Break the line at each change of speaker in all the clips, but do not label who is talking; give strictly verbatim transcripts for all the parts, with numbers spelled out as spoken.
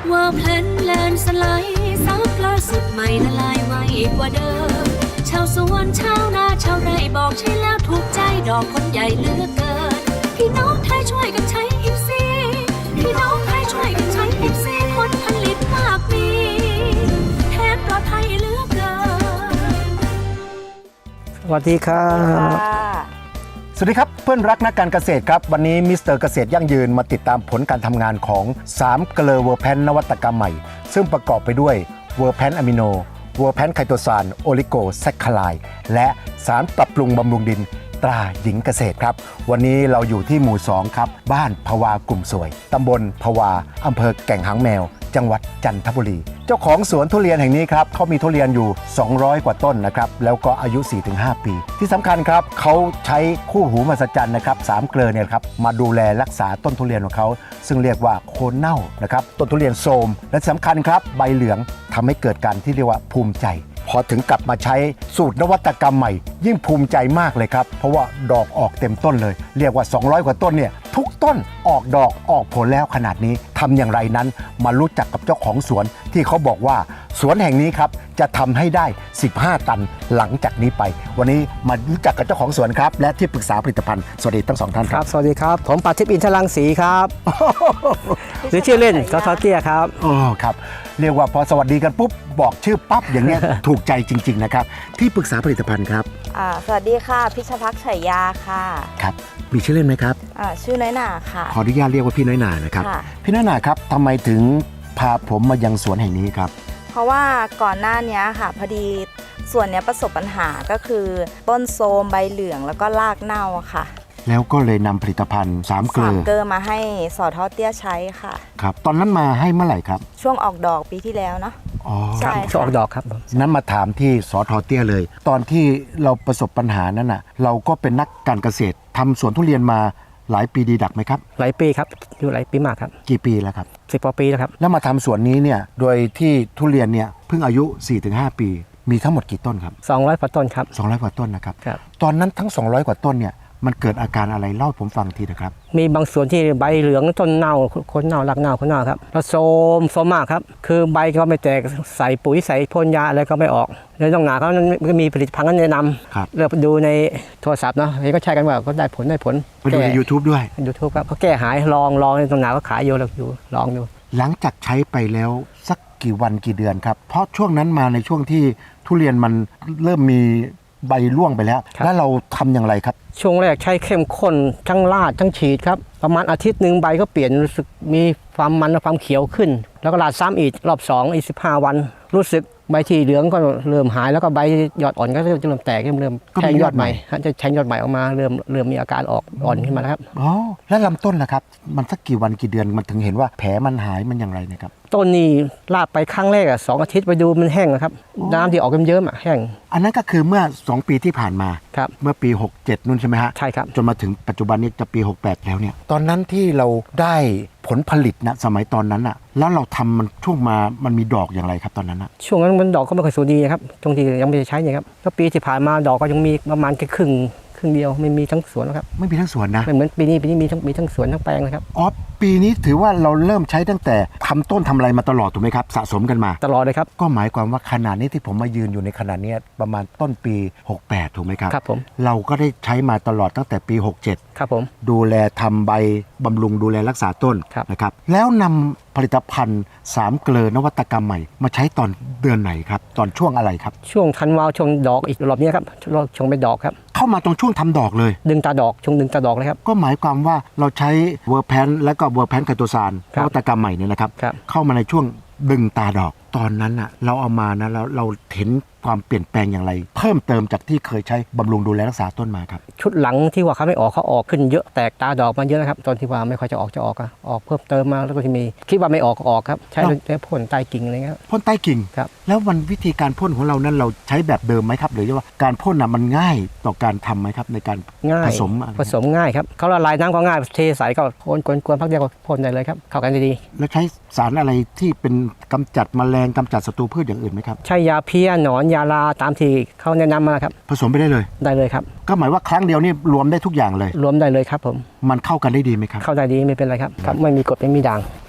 ว่าเพลนแลนสไลด์ซับล่าสุดใหม่ละลายไวกว่าเดิมชาวสวนชาวนาชาวไร่บอกใช่แล้วถูกใจดอกคนใหญ่เหลือกเกินพี่น้องไทยช่วยกันใช้อิฟซีพี่น้องไทยช่วยกันใช้อิฟซีผลผลิตมากมีแทนปลอดภัยเหลือกเกิน
สวัสดีครับ
สวัสดีครับเพื่อนรักนักการเกษตรครับวันนี้มิสเตอร์เกษตรยั่งยืนมาติดตามผลการทำงานของสามเกลอเวอร์แพนนวัตกรรมใหม่ซึ่งประกอบไปด้วยเวอร์แพนอะมิโนเวอร์แพนไคโตซานโอลิโกแซคคาไลและสารปรับปรุงบำรุงดินตราหญิงเกษตรครับวันนี้เราอยู่ที่หมู่สองครับบ้านภวากลุ่มสวยตำบลภวาอำเภอแก่งหางแมวจังหวัดจันทบุรีเจ้าของสวนทุเรียนแห่งนี้ครับเขามีทุเรียนอยู่สองร้อยกว่าต้นนะครับแล้วก็อายุ สี่ถึงห้า ปีที่สำคัญครับเขาใช้คู่หูมหัศจรรย์นะครับสามเกลอเนี่ยครับมาดูแลรักษาต้นทุเรียนของเขาซึ่งเรียกว่าโคนเน่านะครับต้นทุเรียนโทรมและสำคัญครับใบเหลืองทำให้เกิดการที่เรียกว่าภูมิใจพอถึงกลับมาใช้สูตรนวัตกรรมใหม่ยิ่งภูมิใจมากเลยครับเพราะว่าดอกออกเต็มต้นเลยเรียกว่าสองร้อยกว่าต้นเนี่ยทุกต้นออกดอกออกผลแล้วขนาดนี้ทำอย่างไรนั้นมารู้จักกับเจ้าของสวนที่เขาบอกว่าสวนแห่งนี้ครับจะทำให้ได้สิบห้าตันหลังจากนี้ไปวันนี้มารู้จักกับเจ้าของสวนครับและที่ปรึกษาผลิตภัณฑ์สวัสดีทั้งสองท่านครับ
สวัสดีครับผมปาทิพย์อินทรังสีครับหรือชื่อเล่นก็ทอเตี้ยครับ
อ๋อครับเรียกว่าพอสวัสดีกันปุ๊บบอกชื่อปั๊บอย่างเงี้ย ถูกใจจริงๆนะครับที่ปรึกษาผลิตภัณฑ์ครับ
อ่าสวัสดีค่ะพิชภักษ์ชัยยาค่ะ
ครับมีชื่อเล่นไหมครับ
อ่าชื่อน้อยหนาค่ะ
ขออนุญาตเรียกว่าพี่น้อยหนานะครับพี่น้อยหนาครับทำไมถึงพาผมมายังสวนแห่งนี้ครับ
เพราะว่าก่อนหน้านี้ค่ะพอดีส่วนนี้ประสบปัญหาก็คือต้นโทรมใบเหลืองแล้วก็รากเน่าค่ะ
แล้วก็เลยนำผลิตภัณฑ์สามเกลือ
สามเกลือมาให้สอทอเตี้ยใช้ค่ะ
ครับตอนนั้นมาให้เมื่อไหร่ครับ
ช่วงออกดอกปีที่แล้วเนาะ
อ๋อ
ใช่ช่วงออกดอกครับ
นั้นมาถามที่สอทอเตี้ยเลยตอนที่เราประสบปัญหานั้นน่ะเราก็เป็นนักการเกษตรทำสวนทุเรียนมาหลายปีดีดักไหมครับ
หลายปีครับอยู่หลายปีมากครับ
กี่ปีแล้วครับ
สิบกว่าปีแล้วครับ
แล้วมาทำสวนนี้เนี่ยโดยที่ทุเรียนเนี่ยเพิ่งอายุ สี่ถึงห้า ปีมีทั้งหมดกี่ต้นครับ
สองร้อยกว่าต้นครับ
สองร้อยกว่าต้นนะครับตอนนั้นทั้งสองร้อยกว่าต้นเนี่ยมันเกิดอาการอะไรเล่าให้ผมฟังทีนะครับ
มีบางส่วนที่ใบเหลืองต้นเน่าคนเน่ารากเน่าคนเน่าครับแล้วโทรมโทรมมากครับคือใบก็ไม่แตกใส่ปุ๋ยใส่พ่นยาอะไรก็ไม่ออกแล้วต้องหนาเขาก็มีผลิตภัณฑ์แนะนำเลือกดูในโทรศัพท์เนาะเห็นก็ใช้กันว่าก็ได้ผลได้ผล
ไปดูใน ยูทูบ ด้วย
YouTube ครับเขาแก้หายลองลองในตรงหนาก็ขายอยู่แล้วอยู่ลองดู
หลังจากใช้ไปแล้วสักกี่วันกี่เดือนครับเพราะช่วงนั้นมาในช่วงที่ทุเรียนมันเริ่มมีใบร่วงไปแล้วแล้วเราทำอย่างไรครับ
ช่วงแรกใช้เข้มข้นทั้งลาดทั้งฉีดครับประมาณอาทิตย์หนึ่งใบก็เปลี่ยนรู้สึกมีความมันและความเขียวขึ้นแล้วก็ลาดซ้ำอีกรอบสองอีกสิบห้าวันรู้สึกใบที่เหลืองก็เริ่มหายแล้วก็ใบยอดอ่อนก็จะเริ่มแตกเริ่มเริ่มแทงยอดใหม่จะแทงยอดใหม่ออกมาเริ่มเริ่มมีอาการออกอ่อนขึ้นมาแล้วครับ
อ๋อแล้วลำต้นล่ะครับมันสักกี่วันกี่เดือนมันถึงเห็นว่าแผลมันหายมันอย่างไรนะครับ
ต้นนี้ลาดไปครั้งแรกอ่ะสองอาทิตย์ไปดูมันแห้งนะครับน้ำที่ออกเยิ้มๆอ่ะแห้ง
อันนั้นก็คือเมื่อสองปีที่ผ่านมา
ครับ
เมื่อปีหกเจ็ดนู่นใช่ไหมฮะ
ใช่ครับ
จนมาถึงปัจจุบันนี้จะปีหกแปดแล้วเนี่ยตอนนั้นที่เราได้ผลผลิตนะสมัยตอนนั้นอ่ะแล้วเราทำมันช่วงมามันมีดอกอย่างไรครับตอนนั้นอ่ะ
ช่วงนั้นมันดอกก็ไม่ค่อยสวยดีครับตรงที่ยังไม่ได้ใช้เนี่ยครับก็ปีที่ผ่านมาดอกก็ยังมีประมาณแค่ครึ่งครึ่งเดียวไม่มีทั้งสวนนะครับ
ไม่มีทั้งสวนนะ
ไม่เหมือนปีนี้ปีนี้มีทั้งมีทั้งสวนทั้งแปลงนะครับ
อ๋อปีนี้ถือว่าเราเริ่มใช้ตั้งแต่ทำต้นทำอะไรมาตลอดถูกไหมครับสะสมกันมา
ตลอดเลยครับ
ก็หมายความว่าขนาดนี้ที่ผมมายืนอยู่ในขนาดนี้ประมาณต้นปีหกแปดถูกไหมครับ
ครับผม
เราก็ได้ใช้มาตลอดตั้งแต่ปีหกเจ็ด
ครับผม
ดูแลทำใบบำรุงดูแลรักษาต้นนะครับแล้วนำผลิตภัณฑ์สามเกลอนวัตกรรมใหม่มาใช้ตอนเดือนไหนครับตอนช่วงอะไรครับ
ช่วงธันวาช่วงดอกอีกรอบนี้ครับช่วงเป็นดอกครับ
เข้ามาตรงช่วงทำดอกเลย
ดึงตาดอกช่วงดึงตาดอกเลยครับ
ก็หมายความว่าเราใช้เวอร์แพนและก็เวอร์แพนไคโตซานนวัตกรรมใหม่เนี่ยนะครับเข้ามาในช่วงดึงตาดอกตอนนั้นอ่ะเราเอามานะเราเราเห็นความเปลี่ยนแปลงอย่างไรเพิ่มเติมจากที่เคยใช้บำรุงดูแลรักษาต้นมาครับ
ชุดหลังที่ว่าเขาไม่ออกเขาออกขึ้นเยอะแตกตาดอกมาเยอะนะครับตอนที่ว่าไม่ค่อยจะออกจะออกออกเพิ่มเติมมาแล้วก็ที่มีคิดว่าไม่ออกออกครับใช้พ่นใต้กิ่งอะไรเงี้ย
พ่นใต้กิ่ง
ครับ
แล้ววันวิธีการพ่นของเรานั้นเราใช้แบบเดิมไหมครับหรือว่าการพ่นน่ะมันง่ายต่อการทำไหมครับในการผสม
ผสมง่ายครับเขาละลายน้ำก็ง่ายเทใส่ก็พ่นกวนๆพักเดียวก็พ่นได้เลยครับเข้ากันดี
ๆแล้วใช้สารอะไรที่เป็นกำจัดแมลงกำจัดศัตรูพืชอย่างอื่นไหมครับ
ใช้ยาเพี้ยหนอนยาลาตามที่เขาแนะนำมาครับ
ผสมไปได้เลย
ได้เลยครับ
ก็หมายว่าครั้งเดียวนี่รวมได้ทุกอย่างเลย
รวมได้เลยครับผม
มันเข้ากันได้ดีไหมครับ
เข้าได้ดีไม่เป็นไรครับครับไม่มีกรดไม่มีด่าง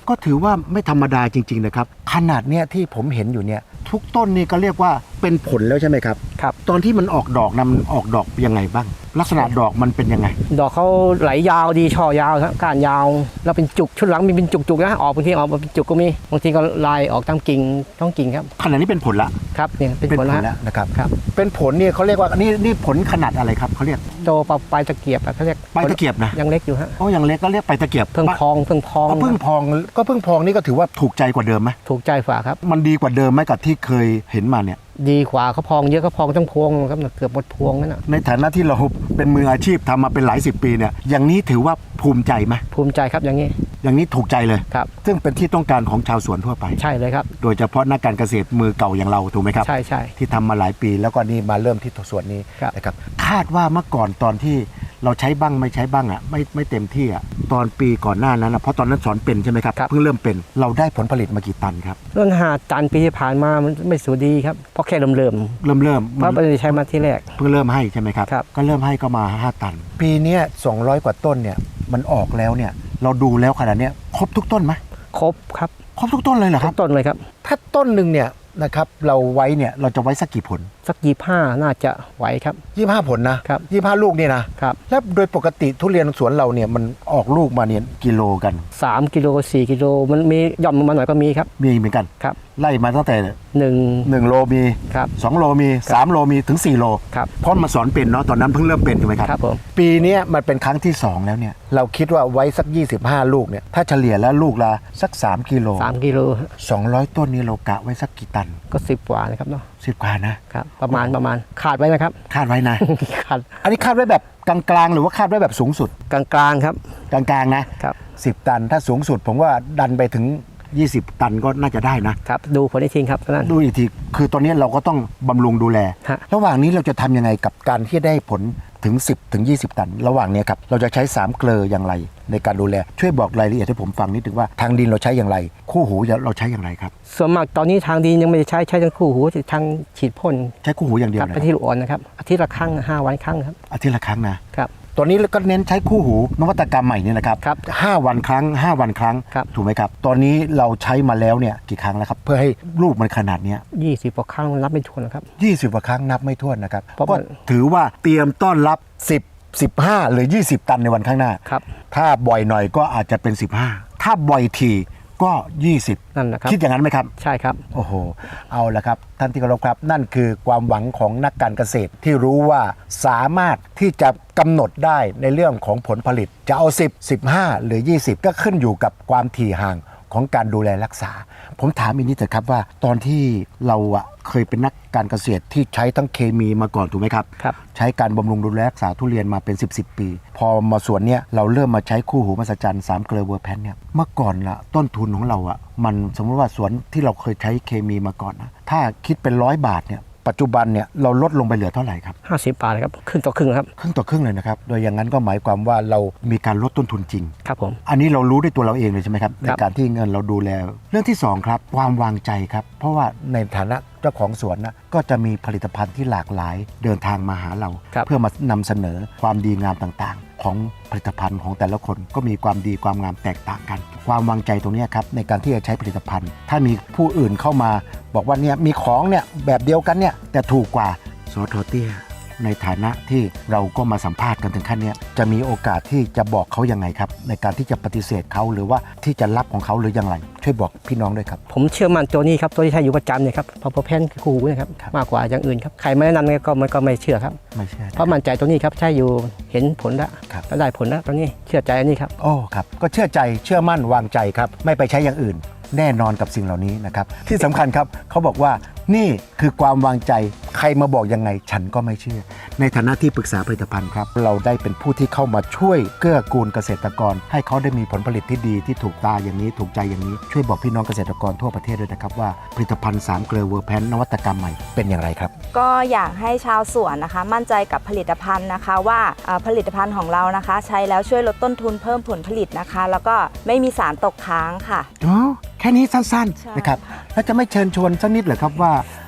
ก็ถือว่าไม่ธรรมดาจริงๆนะครับขนาดเนี้ยที่ผมเห็นอยู่เนี่ยทุกต้นนี่ก็เรียกว่าเป็นผลแล้วใช่ไหมครับ
ครับ
ตอนที่มันออกดอกนะมันออกดอกยังไงบ้าง ลักษณะดอกมันเป็นยังไง
ดอกเขาไหลยาวดีช่อยาวครับก้านยาวแล้วเป็นจุกชุดหลังมีเป็นจุกๆนะออกบางทีออกมาเป็นจุกก็มีบางทีก็ลายออกตามกิ่งท้องกิ่งครับ
ขนาดนี้เป็นผลละ
ครับเนี่ยเป็นผล
แล้
แล้ว
วนะครับ
ครับ
เป็นผลเนี่ยเขาเรียกว่านี่นี่ผลขนาดอะไรครับเขาเรียก
โตปลาปลายตะเกียบอะเขาเรียก
ใบตะเกียบนะ
ยังเล็กอยู่ฮะ
โอ้ยังเล็กก็เรียกใบตะเกียบ
เพิ่งพองเพิ่งพอง
เอาพึ่งพองก็พึ่งพองนี่ก็ถือว่าถูกใจกว่าเดิมไหม
ถูกใจฝ่าครับ
มันดีกว่าเดิมไหมกับที่เคยเห็นมาเนี่ย
ดีกว่าเขาพองเยอะเขาพองทั้งพวงครับเกือบหมดพวงนั่นนะ
ในฐานะที่เราเป็นมืออาชีพทำมาเป็นหลายสิบปีเนี่ยอย่างนี้ถือว่าภูมิใจไหม
ภูมิใจครับอย่างนี้
อย่างนี้ถูกใจเลย
ครับ
ซึ่งเป็นที่ต้องการของชาวสวนทั่วไป
ใช่เลยครับ
โดยเฉพาะนักการเกษตรมือเก่าอย่างเราถูกไหมครับ
ใช่ใช่
ที่ทำมาหลายปีแล้วก็นี่มาเริ่มที่สวนนี้
ครับ
นะครับคาดว่าเมื่อก่อนตอนที่เราใช้บ้างไม่ใช้บ้างอ่ะไม่ไม่เต็มที่อ่ะตอนปีก่อนหน้านั้นนะเพราะตอนนั้นสอนเป็นใช่ไหมครับเพิ่งเริ่มเป็นเราได้ผลผลิตมากี่ตันครับ
เรื่องหาตันปีที่ผ่านมามันไม่สูดีครับเพราะแค่เริ่มเริ่ม
เริ่มเริ่ม
เพราะไม่ได้ใช้มาที่แรก
เพิ่งเริ่มให้ใช่ไหมครับ
ครับ
ก็เริ่มให้ก็มาห้าตัน ปีเนี้ยสองร้อยกว่าต้นเนี่ยมันออกแล้วเนี่ยเราดูแล้วขนาดเนี้ยครบทุกต้นไหม
ครบครับ
ครบทุกต้นเลยเหรอค
ทุ
รับ
กต้นเลยครับ
ถ้าต้นหนึ่งเนี่ยนะครับเราไว้เนี่ยเราจะไว้สักกี่ผล
สักยี่ห้าน่าจะไหวครับ
ยี่สิบห้าผลนะครับ ยี่สิบห้าลูกนี่นะครับ แล้วโดยปกติทุเรียนสวนเราเนี่ยมันออกลูกมาเนี่ยกิโลกัน
สามกิโลสี่กิโลมันมีย่อมลงมาหน่อยก็มีครับ
มีเหมือนกัน
ครับ
ไล่มาตั้งแต่
หนึ่ง
หนึ่งโลมี
ครับ
สองโลมีสามโลมีถึงสี่โล
ครับ
เพราะมาสอนเป็นเนาะตอนนั้นเพิ่งเริ่มเป็นถูกไหมครับ
ครับผม
ปีเนี้ยมันเป็นครั้งที่สองแล้วเนี่ยเราคิดว่าไว้สักยี่สิบห้าลูกเนี่ยถ้าเฉลี่ยแล้วลูกละสักสามกิโล
สามกิโล
สองร้อยต้นนี้เรากะไว้สักกี่ตัน
ก็สิบกว่านะครับเนาะ
สิบกว่านะครับ
ประมาณประมาณขาดไว้นะครับ
คาดไว้นะ
ขาด
อันนี้คาดไว้แบบกลางๆ หรือว่าคาดไว้แบบสูงสุด
กลางๆครับ
กลางๆนะครับ สิบตันถ้าสูงสุดผมว่าดันไปถึงยี่สิบตันก็น่าจะได้นะครับ
ดูผลอีกทีครับนั่น
ดูอีกทีคือตอนนี้เราก็ต้องบำรุงดูแล
ฮะ
ระหว่างนี้เราจะทำยังไงกับการที่ได้ผลถึงสิบถึงยี่สิบตัน ระหว่างเนี้ยครับเราจะใช้สามเกลออย่างไรในการดูแลช่วยบอกรายละเอียดให้ผมฟังนิดนึงว่าทางดินเราใช้อย่างไร คู่หูเราใช้อย่างไรครับ
ส่วนมากตอนนี้ทางดินยังไม่ได้ใช้ใช้ทั้งคู่หูทางฉีดพ่น
ใช้คู่หูอย่างเดียว
กับ
นะ
ไปที่ลูกอ่อนนะครับอาทิตย์ละครั้งห้าวันครั้งครับ
อาทิตย์ละครั้งนะ
ครับ
ตอนนี้ก็เน้นใช้คู่หูนวัตกรรมใหม่นี่นะครับ
ครับ
ห้าวันครั้งห้าวันครั้ง
ครับ
ถูกไหมครับตอนนี้เราใช้มาแล้วเนี่ยกี่ครั้งแล้วครับเพื่อให้ลูกมันขนาดเนี้ย
ยี่สิบกว่าครั้งรับไม่ถ้วนนะครับ
ยี่สิบกว่าครั้งนับไม่ถ้วนนะครับ
เพราะ
ก็
มัน
ถือว่าเตรียมต้อนรับสิบ สิบห้าหรือยี่สิบตันในวันข้างหน้า
ครับ
ถ้าบ่อยหน่อยก็อาจจะเป็นสิบห้าถ้าบ่อยทีก็ยี่สิบ
นั่นนะครับ
คิดอย่างนั้นไหมครับ
ใช่ครับ
โอ้โห เอาละครับ ท่านที่เคารพครับ นั่นคือความหวังของนักการเกษตรที่รู้ว่าสามารถที่จะกำหนดได้ในเรื่องของผลผลิต จะเอาสิบ สิบห้า หรือ ยี่สิบ ก็ขึ้นอยู่กับความถี่ห่างของการดูแลรักษา ผมถามอีกนิดเถอะครับว่าตอนที่เราอะเคยเป็นนักการเกษตรที่ใช้ทั้งเคมีมาก่อนถูกไหมครับ
ครับ
ใช้การบำรุงดูแลรักษาทุเรียนมาเป็น สิบ สิบ ปี พอมาสวนเนี้ยเราเริ่มมาใช้คู่หูมหัศจรรย์สามเกลือเวอร์แพนเนี่ยเมื่อก่อนละต้นทุนของเราอะมันสมมติว่าสวนที่เราเคยใช้เคมีมาก่อนนะถ้าคิดเป็นร้อยบาทเนี่ยปัจจุบันเนี่ยเราลดลงไปเหลือเท่าไหร่ครับ
ห้าสิบบาทครับครึ่งต่อครึ่งครับ
ครึ่งต่อครึ่งเลยนะครับโดยอย่างนั้นก็หมายความว่าเรามีการลดต้นทุนจริง
ครับผม
อันนี้เรารู้ด้วยตัวเราเองเลยใช่ไหมครับใน
ครับ
การที่เงินเราดูแลเรื่องที่สองครับความวางใจครับเพราะว่าในฐานะเจ้าของสวนนะก็จะมีผลิตภัณฑ์ที่หลากหลายเดินทางมาหาเรา
ครับ
เพื่อมานำเสนอความดีงามต่างๆ ของผลิตภัณฑ์ของแต่ละคนก็มีความดีความงามแตกต่างกัน ความวางใจตรงเนี้ยครับในการที่จะใช้ผลิตภัณฑ์ ถ้ามีผู้อื่นเข้ามาบอกว่าเนี่ยมีของเนี่ยแบบเดียวกันเนี่ยแต่ถูกกว่าสทเตี้ยในฐานะที่เราก็มาสัมภาษณ์กันถึงขั้นเนี้ยจะมีโอกาสที่จะบอกเขายังไงครับในการที่จะปฏิเสธเขาหรือว่าที่จะรับของเขาหรือยังไรช่วยบอกพี่น้องด้วยครับ
ผมเชื่อมั่นตัวนี้ครับตัวที่ใช้อยู่ประจำเนี่ยครับพอพอแพนคือคู่หูนะครับ
ครับ
มากกว่าอย่างอื่นครับใครไม่แนะนำเนี่ยก็มันก็ไม่เชื่อครับ
ไม่ใช่
เพราะมั่นใจตัวนี้ครับใช้อยู่เห็นผลแล้ว
ครับ
แล้วได้ผลแล้วตอนนี้เชื่อใจอันนี้ครับ
โอ้ครับก็เชื่อใจเชื่อมั่นวางใจครับไม่ไปใช้อย่างอื่น แน่นอนกับสิ่งเหล่านี้นะครับที่สำคัญครับเขาบอกว่านี่คือความวางใจใครมาบอกยังไงฉันก็ไม่เชื่อ ในฐานะที่ปรึกษาผลิตภัณฑ์ครับเราได้เป็นผู้ที่เข้ามาช่วยเกื้อกูลเกษตรกร ให้เขาได้มีผลผลิตที่ดีที่ถูกตาอย่างนี้ถูกใจอย่างนี้ช่วยบอกพี่น้องเกษตรกรทั่วประเทศด้วยนะครับว่าผลิตภัณฑ์สามเกลือเวอร์แพนนวัตกรรมใหม่เป็นอย่างไรครับ
ก็อยากให้ชาวสวนนะคะ มั่นใจกับผลิตภัณฑ์นะคะว่าเอ่อผลิตภัณฑ์ของเรานะคะ ใช้แล้วช่วยลดต้นทุนเพิ่มผลผลิตนะคะ แล้วก็ไม่มีสารตกค้างค่ะ
อ๋อแค่นี้สั้น
ใช่
ๆนะครับแล้วจะไม่เชิญชวนสักนิดเหรอครับว่า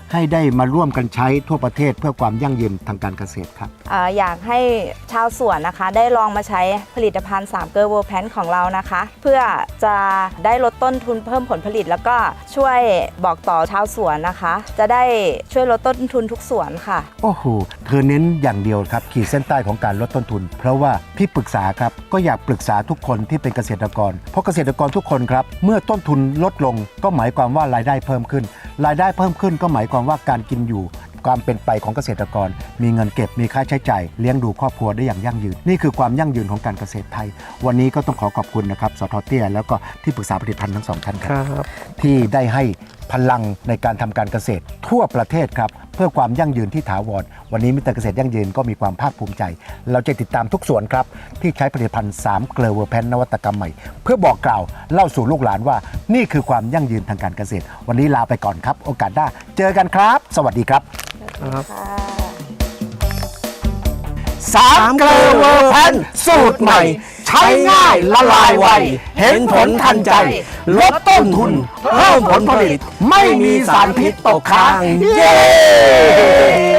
ให้ได้มาร่วมกันใช้ทั่วประเทศเพื่อความยั่งยืนทางการเกษตรครับ
อ่าอยากให้ชาวสวนนะคะได้ลองมาใช้ผลิตภัณฑ์สามเกลอเวอร์แพนของเรานะคะ เพื่อจะได้ลดต้นทุนเพิ่มผลผลิต แล้วก็ช่วยบอกต่อชาวสวนนะคะ จะได้ช่วยลดต้นทุนทุกสวนค่ะ
โอ้โหเธอเน้นอย่างเดียวครับขีดเส้นใต้ของการลดต้นทุน เพราะว่าพี่ปรึกษาครับก็อยากปรึกษาทุกคนที่เป็นเกษตรกรเพราะเกษตรกรทุกคนครับเมื่อต้นทุนลดลงก็หมายความว่ารายได้เพิ่มขึ้นรายได้เพิ่มขึ้นก็หมายความว่าการกินอยู่ความเป็นไปของเกษตรกรมีเงินเก็บมีค่าใช้จ่ายเลี้ยงดูครอบครัวได้อย่างยั่งยืนนี่คือความยั่งยืนของการเกษตรไทยวันนี้ก็ต้องขอขอบคุณนะครับสท.เตี้ยแล้วก็ที่ปรึกษาผลิตภัณฑ์ทั้งสองท่านครับที่ได้ให้พลังในการทำการเกษตรทั่วประเทศครับเพื่อความยั่งยืนที่ถาวรวันนี้มิสเตอร์เกษตรยั่งยืนก็มีความภาคภูมิใจเราจะติดตามทุกส่วนครับที่ใช้ผลิตภัณฑ์สามเกลอเวอร์แพนนวัตกรรมใหม่เพื่อบอกกล่าวเล่าสู่ลูกหลานว่านี่คือความยั่งยืนทางการเกษตรวันนี้ลาไปก่อนครับโอกาสหน้าเจอกันครับสวัสดีครับสามเกลอเวอร์แพนสูตรใหม่ใช้ง่ายละลายไวเห็นผลทันใจลดต้นทุนเพิ่มผลผลิตไม่มีสารพิษตกค้างเย้